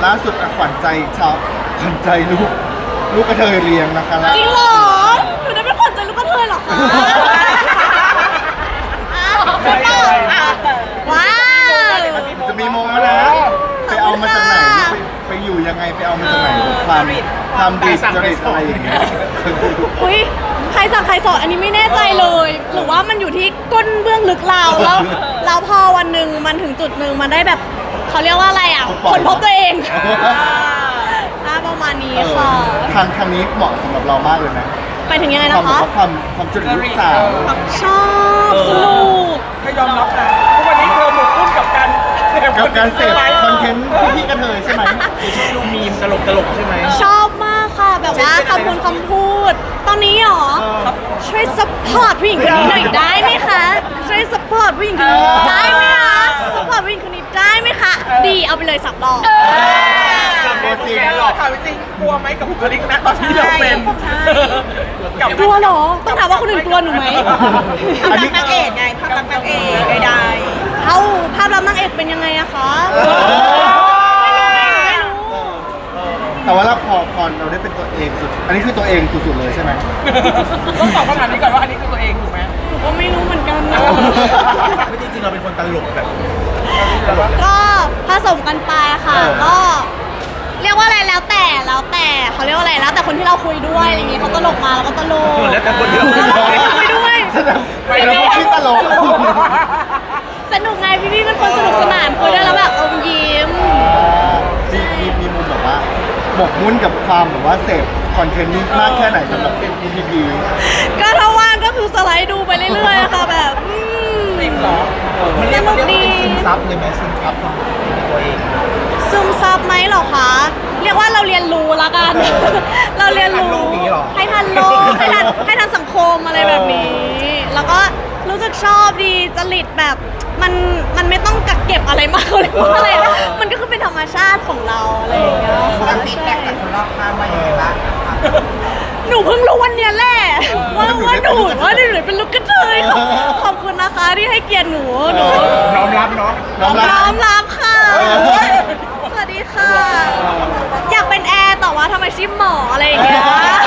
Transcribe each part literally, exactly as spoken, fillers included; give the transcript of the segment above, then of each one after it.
ล่าสุดอะขวัญใจชาวขวัญใจลูกลูกกระเทยเรียงนะคะแล้วจริงเหรอหนูได้เป็นขวัญใจลูกกระเทยเหรอคะอ้าวใช่ป่ะว้าวจะมีโมงแล้วนะไปเอามาจากไหนไปไปอยู่ยังไงไปเอามาจากไหนความความดีจริตอะไรอย่างเงี้ยอุ้ยใครสั่งใครสอนอันนี้ไม่แน่ใจเลย หรือว่ามันอยู่ที่ก้นเบื้องลึกเราแล้วแล้วพอวันหนึ่งมันถึงจุดหนึ่งมันได้แบบเขาเรียกว่าอะไรอ่ะคนพบตัวเองอ่าประมาณนี้ค่ะทางทางนี้เหมาะสำหรับเรามากเลยนะไปถึงยังไงความนะแบบคะว่าความความจุดลูกสาวชอบสนุกไม่ยอมรับนะทุกวันนี้เธอหมกมุ่นกับการเสพกับการเสพคอนเทนต์พี่กระเทยใช่ไหมดูมีมตลกตลกใช่ไหมชอบมากค่ะแบบว่าคำพูดคำพูด ตอนนี้หรอช่วยซัพพอร์ตผู้หญิงคนนี้หน่อยได้ไหมคะช่วยซัพพอร์ตผู้หญิงคนนี้ได้ไหมคะซัพพอร์ตผู้หญิงคนนี้ได้ไหมคะดีเอาไปเลยสับรอบตัวจริงหรอกถามจริงกลัวไหมกับบุคลิกนะตอนที่เราเป็นกับกลัวเหรอต้องถามว่าคนอื่นกลัวหนูไหมอันนี้นางเอกไงภาพลักษณ์นางเอกใดเอ้าภาพลักษณ์นางเอกเป็นยังไงอะคะไม่รู้แต่ว่าเราพอพอเราได้เป็นตัวเองสุด อันนี้คือตัวเองสุดๆเลยใช่ไหมต้องตอบคำถามนี้ก่อนว่าอันนี้คือตัวเองถูกไหมหนูก็ไม่รู้เหมือนกันนะไม่จริงๆเราเป็นคนตลกแบบก็ผสมกันไปค่ะก็ เรียกว่าอะไรแล้วแต่แล้วแต่เขาเรียกว่าอะไรแล้วแต่คนที่เราคุยด้วยอะไรอย่างงี้เขาตลกมาแล้วก็ตลกแล้วแต่คนที่เราคุยด้วยคุยด้วยไปแล้วก็คิดตลกสนุกไงพี่พี่ๆเป็นคนสนุกสนานคุยด้วยแล้วแบบอมยิ้มมีมีมีมุมแบบว่าหมกมุ่นกับความแบบว่าเสพคอนเทนต์นี้มากแค่ไหนสำหรับเป็นพีพีก็ถ้าว่างก็คือสไลด์ดูไปเรื่อยๆค่ะแบบอืมจริงเหรอสนุกดีซึมซับเลยไหมซึมซับตัวเองซึมซับไหมเหรอคะเรียกว่าเราเรียนรู้ละกัน เราเรียนรู้ให้ทันโลกให้ทันให้ทันสังคมอะไรแบบนี้ แล้วก็รู้สึกชอบดีจริตแบบมันมันไม่ต้องกักเก็บอะไรมากเลยว่าอะไรนะมันก็คือเป็นธรรมชาติของเราอะไรอย่างเงี้ยๆแล้วฟีดแบ็กจากคนรอบข้างว่ายังไงบ้างหนูเพิ่งรู้วันเนี้ยแหละว่าว่าหนูว่าหนูเป็นลูกกระเทยขอบขอบคุณนะคะที่ให้เกียรติหนูหนูน้อมรับเนาะน้องรัน้อก มรับค่ะเออสวัสดีค่ะ อยากเป็นแอร์แต่ว่าทำไมชิมหมออะไรอย่างเงี้ย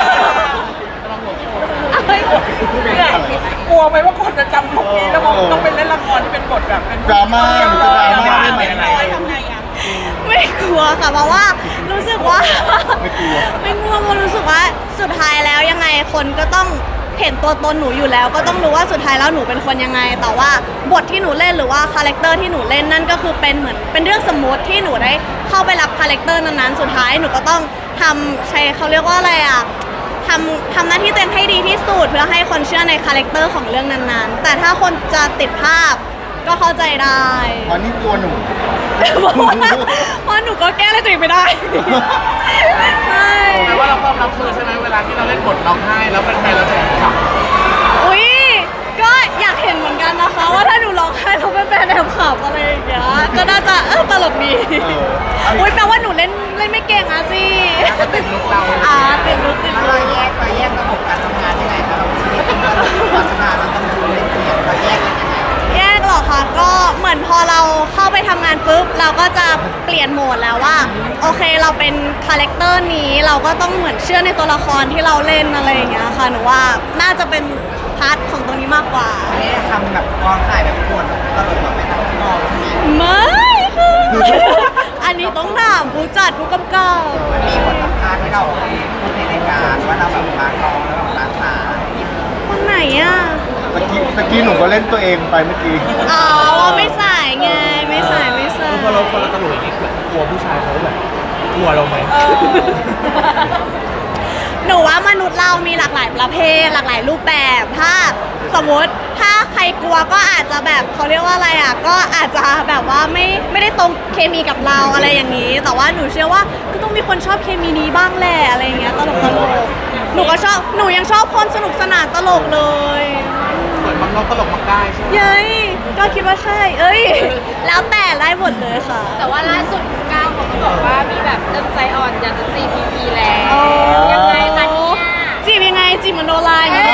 เอ้ยกลัวไหมว่าคนจะจำลุคนี้แล้วมันต้องเป็นเล่นละครที่เป็นบทแบบเป็นดราม่าหรือจะดราม่าได้ไหมทำไงอ่ะไม่กลัวค่ะเพราะว่ารู้สึกว่าไม่กลัวไม่กลัวเพราะรู้สึกว่าสุดท้ายแล้วยังไงคนก็ต้องเห็นตัวตนหนูอยู่แล้ว ก็ต้องรู้ว่าสุดท้ายแล้วหนูเป็นคนยังไง แต่ว่าบทที่หนูเล่นหรือว่าคาแรคเตอร์ที่หนูเล่นนั่นก็คือเป็นเหมือนเป็นเรื่องสมมติที่หนูได้เข้าไปรับคาแรคเตอร์นั้นๆสุดท้ายหนูก็ต้องทำใช้เขาเรียกว่าอะไรอ่ะทำทำหน้าที่ตัวเองให้ดีที่สุดเพื่อให้คนเชื่อในคาแรคเตอร์ของเรื่องนั้นๆ แต่ถ้าคนจะติดภาพก็เข้าใจได้เพราะนี่กลัวหนูเพราะว่าเพราะหนูก็แก้อะไรตัวเองไม่ได้ใช่แปลว่าเราความรับคือใช่ไหมเวลาที่เราเล่นบทร้องไห้แล้วเป็นใครเราจะขำอุ้ยก็อยากเห็นเหมือนกันนะคะ ว่าถ้าหนูร้องไห้แล้วเป็นแฟนแอบขับอะไรอย่างเงี้ยก็น่าจะเออตลกดีเอออุ้ยแปลว่าหนูเล่นเล่นไม่เก่งอ่ะสิก็ติดลุกเราอ่าติดลุกติดแล้วลุเรากแยกเราแยกระบบการทำงานยังไงคะเราชีวิตเราการทำงานเราต้องดูเล่นเปลี่ยนเราแยกกันยังไงแยกเหรอคะก็เหมือนพอเราเข้าไปทำงานปุ๊บเราก็จะเปลี่ยนโหมดแล้วว่าโอเคเราเป็นคาแรคเตอร์นี้เราก็ต้องเหมือนเชื่อในตัวละครที่เราเล่นอะไรอย่างเงี้ยค่ะหนูว่าน่าจะเป็นพาร์ทของตรงนี้มากกว่าไม่ได้ทำแบบกองถ่ายแบบปวดตลกแบบไม่ต้องมองมีไม่ค่ะอันนี้ต้องถามผู้จัดผู้กำกับมันมีบทสัมภาษณ์ให้เราพูดในรายการว่าเราแบบมาร้องแล้วแบบมาสายคนไหนอ่ะตะกี้ตะกี้หนูก็เล่นตัวเองไปเมื่อกี้อ๋อไม่ใส่ไงไม่ใส่ไม่ใส่พอเราพอเราตลกอย่างนี้กลัวผู้ชายเขาแบบกลัวเราไหมหนูว่ามนุษย์เรามีหลากหลายประเภทหลากหลายรูปแบบถ้าสมมติถ้าใครกลัวก็อาจจะแบบเขาเรียกว่าอะไรอ่ะก็อาจจะแบบว่าไม่ไม่ได้ตรงเคมีกับเราอะไรอย่างนี้ แต่ว่าหนูเชื่อว่าก็ต้องมีคนชอบเคมีนี้บ้างแหละอะไรอย่างเงี้ยตลกตลกหนูก็ชอบหนูยังชอบคนสนุกสนานตลกเลยเหมือนบางเราตลกมักได้ใช่ไหมเย้ยก็คิดว่าใช่ เอ้ย แล้วแต่ไล่หมดเลยค่ะแต่ว่าล่าสุดคุณก้าวเขาก็บอกว่ามีแบบเริ่มใจอ่อนอยากจะ ซี พี พี แล้วอ๋อยังไงคะเนี่ยจีบยังไงจีบมโนราอย่างเงี้ย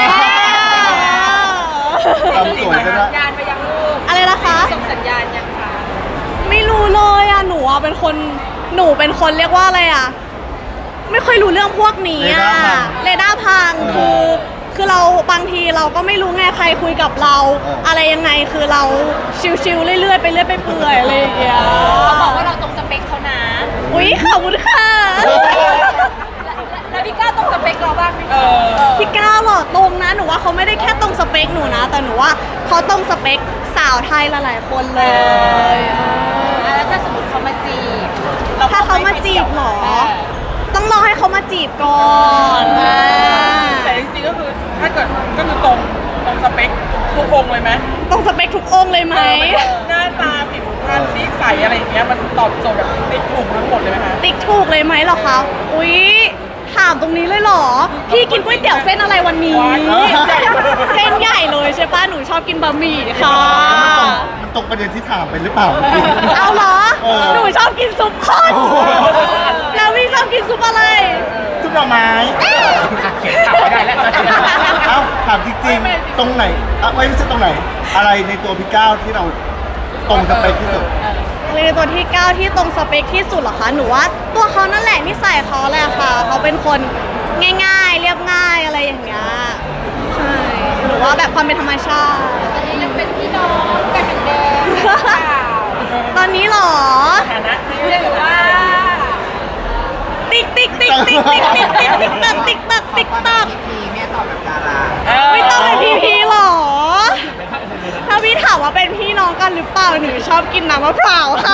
ทำสวยซะส่ด้งวยสัญญาณไปยังลูกอะไรนะคะส่งสัญญาณยังคะไม่รู้เลยอ่ะ หนูอ่ะเป็นคนหนูเป็นคนเรียกว่าอะไรอ่ะ ไม่ค่อยรู้เรื่องพวกนี้อ่ะเรดาร์พังคือ คือเราบางทีเราก็ไม่รู้ไงใครคุยกับเรา อะไรยังไงคือเราชิวๆเรื่อยๆไปเรื่อยไปเปื่อยอะไรอย่างเงี้ยเขาบอกว่าเราตรงสเปคเขานะอุ๊ยขอบคุณค่ะแล้วพี่ก้าวตรงสเปคเราบ้างไหมเออพี่ก้าวหล่อตรงนะหนูว่าเขาไม่ได้แค่ตรงสเปคหนูนะ แต่หนูว่าเขาตรงสเปคสาวไทยหลายๆคนเลยแล้วถ้าสมมติเขามาจีบถ้าเขามาจีบเหรอ ต้องรอให้เขามาจีบก่อนแต่จริงๆก็คือถ้าเกิดก็คือตรงตรงสเปคทุกองค์เลยไหมตรงสเปคทุกองค์เลยไหมหน้าตาผิวพรรณนิสัยอะไรอย่างเงี้ยมันตอบโจทย์แบบติดถูกทั้งหมดเลยไหมคะติ๊กถูกเลยไหมเหรอคะ อุ๊ย ถามตรงนี้เลยเหรอ พี่กินก๋วยเตี๋ยวเส้นอะไรวันนี้ เส้นใหญ่เลยใช่ป่ะ หนูชอบกินบะหมี่ค่ะมันตรงประเด็นที่ถามไปหรือเปล่าเอาเหรอเออหนูชอบกินซุปข้นโอ้โหแล้วพี่ชอบกินซุปอะไรทุกดอกไม้เขียนกลับไม่ได้แล้วเอ้าถามจริงๆตรงไหนอ่ะไม่ใช่ตรงไหน อะไรในตัวพี่ก้าวที่เราตรงสเปคที่สุดในตัวที่เก้าที่ตรงสเปคที่สุดเหรอคะ หนูว่าตัวเขานั่นแหละนิสัยเขาแหละค่ะ เขาเป็นคนง่ายๆ เรียบง่ายอะไรอย่างเงี้ย ใช่ หรือว่าแบบความเป็นธรรมชาติตอนนี้ยังเป็นพี่น้องกันเหมือนเดิมหรือเปล่าตอนนี้เหรอฐานะที่หรือว่าติ๊กติ๊กติ๊กติ๊กติ๊กติ๊กติ๊กติ๊กตักติ๊กตักติ๊กตักพีแม่ตอบแบบดาราไม่ต้องเป็นพี่พีหรอ ถ้าพี่ถามว่าเป็นพี่น้องกันหรือเปล่า หนูชอบกินน้ำมะพร้าวค่ะ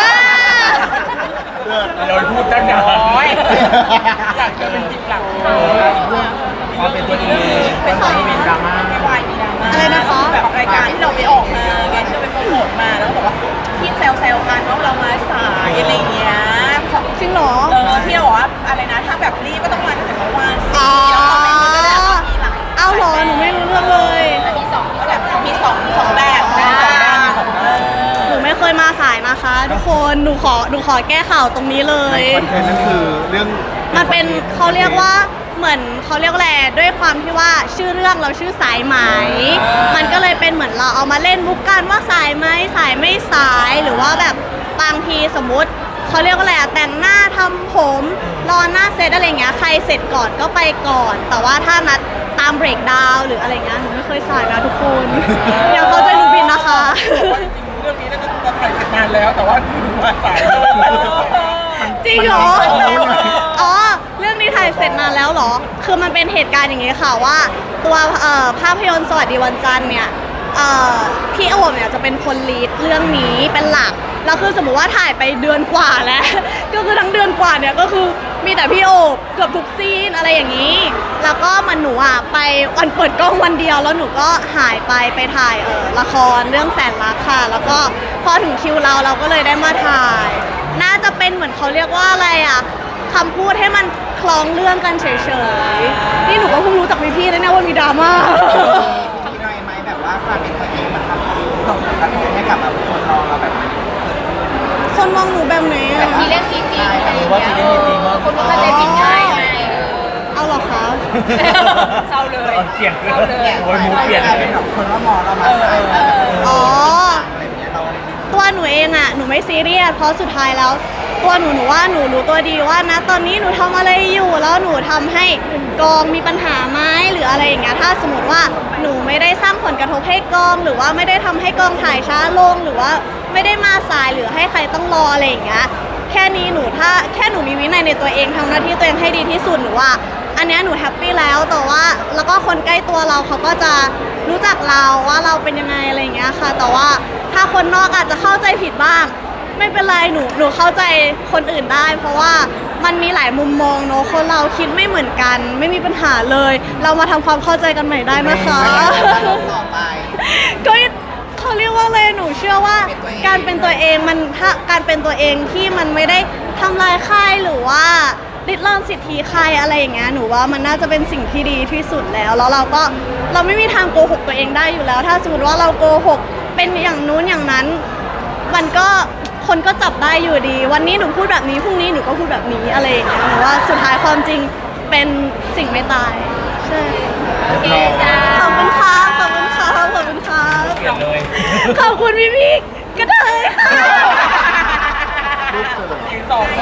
เราพูดตั้งนานอยากจะเป็นจิตหลักความเป็นตัวเองเป็นตัวที่มีดราม่าไม่วายมีดราม่าอะไรนะคะแบบรายการที่เราไปออกมาไงที่เราไปโปรโมทมาแล้วบอกว่าที่แซวๆกันว่าเรามาสายอะไรเงี้ยจริงเหรอเออที่เราบอกว่าอะไรนะถ้าแบบรีบก็ต้องมาตั้งแต่เมื่อวานอ๋อแล้วคอมเมนต์มันก็ได้มีหลายเอาเหรอ หนูไม่รู้เรื่องเลยมีสองมีสแบองบมีสองสองแบบนะสองแบบมีสองแบบหนูไม่เคยมาสายนะคะ ทุกคน หนูขอ หนูขอแก้ข่าวตรงนี้เลในยคอนเทนต์นั่นคือเรื่องมันเป็นเขาเรียกว่าเหมือนเขาเรียกว่าอะไรด้วยความที่ว่าชื่อเรื่องเราชื่อสายไหม มันก็เลยเป็นเหมือนเราเอามาเล่นมุกกันว่าสายไหมสายไม่สายหรือว่าแบบบางทีสมมุติเขาเรียกว่าอะไรอะแต่งหน้าทำผมรอหน้าเซตอะไรเงี้ยใครเสร็จก่อนก็ไปก่อน แต่ว่าถ้านัดตามเบรกดาวน์หรืออะไรเงี้ยหนูไม่เคยสายนะทุกคน อย่าเข้าใจหนูผิดนะคะว่าจริงๆเรื่องนี้น่าจะจะถ่ายเสร็จนานแล้วแต่ว่ามาสายจริงเหรอมันรู้ไหมอ๋อ เรื่องนี้ถ่ายเสร็จนานแล้วเหรอ คือมันเป็นเหตุการณ์อย่างงี้ค่ะว่า ตัวเอ่อภาพยนตร์สวัสดีวันจันทร์เนี่ยเอ่อพี่โอมเนี่ยจะเป็นคนลีดเรื่องนี้เป็นหลัก แล้วคือสมมติว่าถ่ายไปเดือนกว่าแล้ว ก็คือทั้งเดือนกว่าเนี่ยก็คือมีแต่พี่โอมเกือบทุกซีนอะไรอย่างนี้ แล้วก็มันหนูอ่ะไปวันเปิดกล้องวันเดียวแล้วหนูก็หายไปไปถ่ายเออละครเรื่องแสนรักค่ะ แล้วก็พอถึงคิวเราเราก็เลยได้มาถ่าย น่าจะเป็นเหมือนเขาเรียกว่าอะไรอ่ะคำพูดให้มันคล้องเรื่องกันเฉยๆ นี่หนูก็เพิ่งรู้จากพี่ๆนะเนี่ยว่ามีดราม่ามีอะไรไหมแบบว่าความเป็นตัวเองมันทำให้ส่งผลกระทบให้กับแบบคนมองเราแบบเกิดขึ้นคนมองหนูแบบไหนอ่ะทีเล่นทีจริงอะไรอย่างเงี้ยคนก็เข้าใจผิดง่ายไงเอาเหรอคะเศร้าเลยเปลี่ยนเศร้าเลยโอ้ยมูเปลี่ยนกลายเป็นแบบคนว่ามองเรามาใส่แบบอ๋ออะไรอย่างเงี้ยเราตัวหนูเองอ่ะหนูไม่ซีเรียสเพราะสุดท้ายแล้ว ตัวหนูหนูว่าหนูรู้ตัวดีว่านะตอนนี้หนูทำอะไรอยู่แล้วหนูทำให้กองมีปัญหาไหมหรืออะไรอย่างเงี้ยถ้าสมมติว่าหนูไม่ได้สร้างผลกระทบให้กอง หรือว่าไม่ได้ทำให้กองถ่ายช้าลงหรือว่าไม่ได้มาสายหรือให้ใครต้องรออะไรอย่างเงี้ยแค่นี้หนูถ้าแค่หนูมีวินัยในตัวเองทำหน้าที่ตัวเองให้ดีที่สุดหนูว่า อันเนี้ยหนูแฮปปี้แล้วแต่ว่าแล้วก็คนใกล้ตัวเราเขาก็จะรู้จักเราว่าเราเป็นยังไงอะไรอย่างเงี้ยค่ะ แต่ว่าถ้าคนนอกอาจจะเข้าใจผิดบ้าง ไม่เป็นไรหนูหนูเข้าใจคนอื่นได้ เพราะว่ามันมีหลายมุมมองเนอะคนเราคิดไม่เหมือนกัน ไม่มีปัญหาเลย เรามาทำความเข้าใจกันใหม่ได้นะคะต่อไปก็เขาเรียกว่าอะไรหนูเชื่อว่าการเป็นตัวเองมันถ้าการเป็นตัวเองที่มันไม่ได้ทำลายค่ายหรือว่าริดรอนสิทธิใครอะไรอย่างเงี้ยหนูว่ามันน่าจะเป็นสิ่งที่ดีที่สุดแล้วแล้วเราก็เราไม่มีทางโกหกตัวเองได้อยู่แล้ว ถ้าสมมติว่าเราโกหกเป็นอย่างนู้นอย่างนั้น มันก็คนก็จับได้อยู่ดี วันนี้หนูพูดแบบนี้พรุ่งนี้หนูก็พูดแบบนี้อะไรอย่างเงี้ยหนูว่าสุดท้ายความจริงเป็นสิ่งไม่ตายใช่โอเคจ้าขอบคุณค่ะขอบคุณค่ะขอบคุณค่ะเปลี่ยนเลยขอบคุณพี่พี่ๆก็ได้ค่ะรูปเกิดอีกสองก็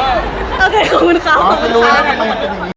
โอเคขอบคุณค่ะอ๋อขอบคุไม่ณรู้ค่ะนะทำไมเป็นอย่างนี้